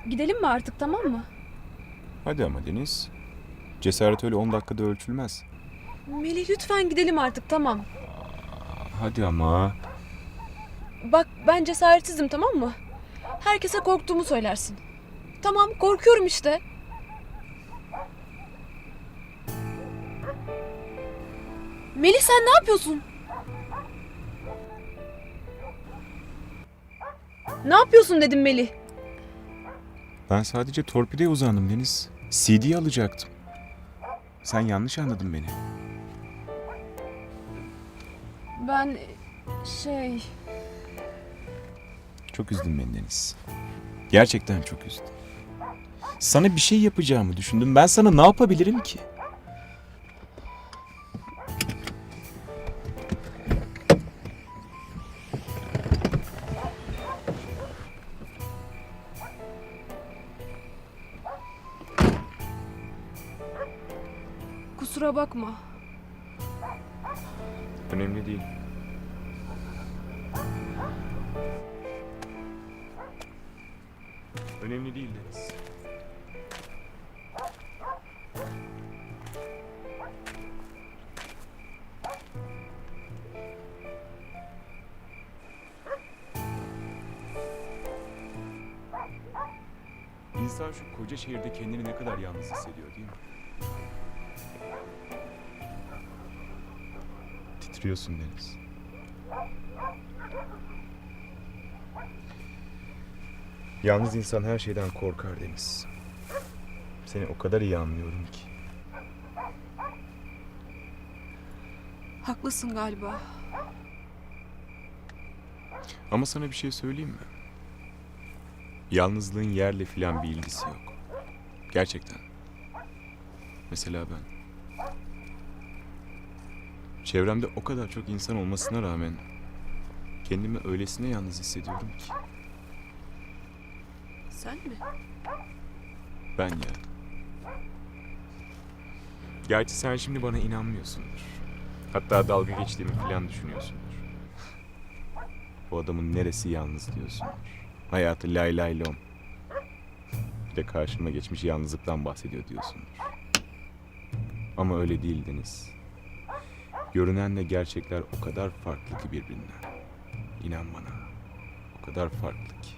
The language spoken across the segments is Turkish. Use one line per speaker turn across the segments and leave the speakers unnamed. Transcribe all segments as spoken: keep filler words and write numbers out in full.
Gidelim mi artık, tamam mı?
Hadi ama Deniz. Cesaret öyle on dakikada ölçülmez.
Melih lütfen gidelim artık, tamam.
Hadi ama.
Bak ben cesaretsizim, tamam mı? Herkese korktuğumu söylersin. Tamam, korkuyorum işte. Melih sen ne yapıyorsun? Ne yapıyorsun dedim Melih.
Ben sadece torpideye uzandım Deniz. C D'yi alacaktım. Sen yanlış anladın beni.
Ben şey...
Çok üzdün beni Deniz. Gerçekten çok üzdün. Sana bir şey yapacağımı düşündüm. Ben sana ne yapabilirim ki?
Kusura bakma.
Önemli değil. Önemli değil Deniz. İnsan şu koca şehirde kendini ne kadar yalnız hissediyor değil mi? Titriyorsun Deniz. Yalnız insan her şeyden korkar Deniz. Seni o kadar iyi anlıyorum ki.
Haklısın galiba.
Ama sana bir şey söyleyeyim mi? Yalnızlığın yerle filan bir ilgisi yok. Gerçekten. Mesela ben. Çevremde o kadar çok insan olmasına rağmen kendimi öylesine yalnız hissediyorum ki.
Sen mi?
Ben ya. Gerçi sen şimdi bana inanmıyorsundur. Hatta dalga geçtiğimi falan düşünüyorsundur. Bu adamın neresi yalnız diyorsundur. Hayatı lay lay lom. Bir de karşıma geçmiş yalnızlıktan bahsediyor diyorsundur. Ama öyle değil Deniz. Görünenle gerçekler o kadar farklı ki birbirinden. İnan bana. O kadar farklı ki.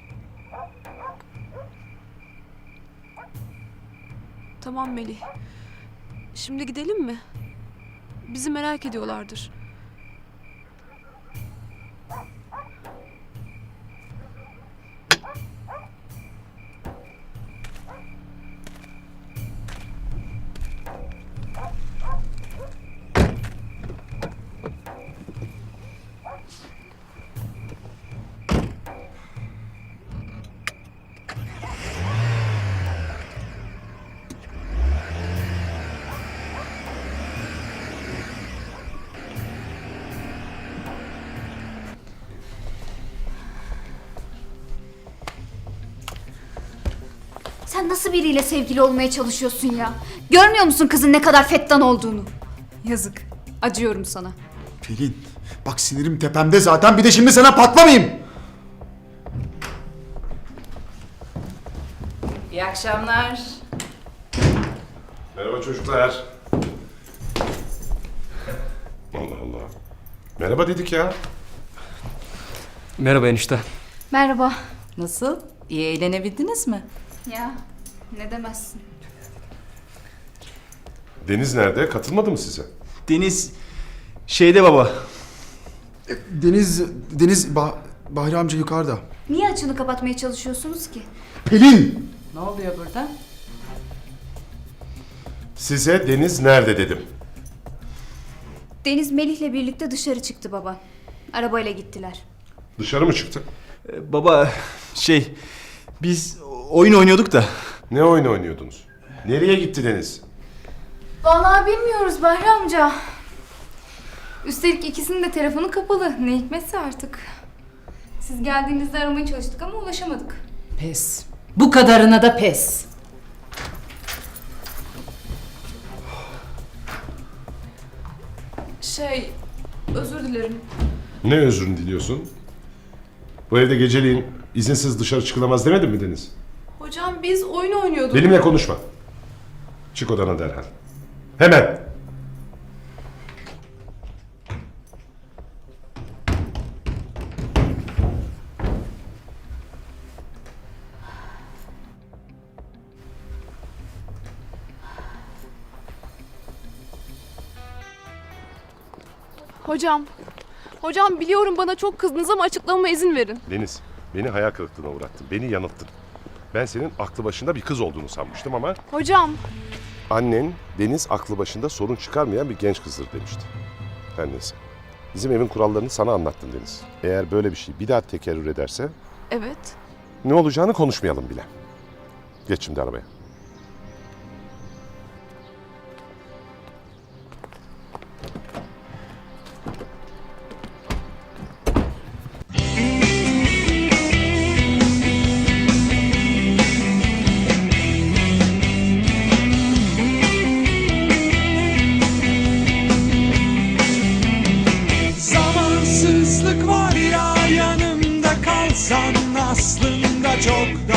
Tamam Melih. Şimdi gidelim mi? Bizi merak ediyorlardır.
Sen nasıl biriyle sevgili olmaya çalışıyorsun ya? Görmüyor musun kızın ne kadar fettan olduğunu? Yazık. Acıyorum sana.
Pelin, bak sinirim tepemde zaten, bir de şimdi sana patlamayayım.
İyi akşamlar.
Merhaba çocuklar. Allah Allah. Merhaba dedik ya.
Merhaba enişte.
Merhaba.
Nasıl? İyi eğlenebildiniz mi?
Ya ne demezsin.
Deniz nerede? Katılmadı mı size?
Deniz şeyde baba.
Deniz, Deniz, bah Bahri amca yukarıda.
Niye açını kapatmaya çalışıyorsunuz ki?
Pelin!
Ne oluyor burada?
Size Deniz nerede dedim.
Deniz Melih'le birlikte dışarı çıktı baba. Arabayla gittiler.
Dışarı mı çıktı?
Ee, baba şey biz oyun oynuyorduk da.
Ne oyun oynuyordunuz? Nereye gitti Deniz?
Vallahi bilmiyoruz Bahri amca. Üstelik ikisinin de telefonu kapalı. Ne hikmetse artık. Siz geldiğinizde aramaya çalıştık ama ulaşamadık.
Pes. Bu kadarına da pes.
Şey, özür dilerim.
Ne özrünü diliyorsun? Bu evde geceliğin izinsiz dışarı çıkılamaz demedin mi Deniz?
Hocam biz oyun oynuyorduk.
Benimle konuşma. Çık odana derhal. Hemen.
Hocam. Hocam biliyorum bana çok kızdınız ama açıklamama izin verin.
Deniz, beni hayal kırıklığına uğrattın. Beni yanılttın. Ben senin aklı başında bir kız olduğunu sanmıştım ama...
Hocam.
Annen, Deniz aklı başında sorun çıkarmayan bir genç kızdır demişti. Her neyse. Bizim evin kurallarını sana anlattın Deniz. Eğer böyle bir şey bir daha tekerrür ederse...
Evet.
Ne olacağını konuşmayalım bile. Geç şimdi arabaya.
Zamansızlık var ya, yanımda kalsan aslında çok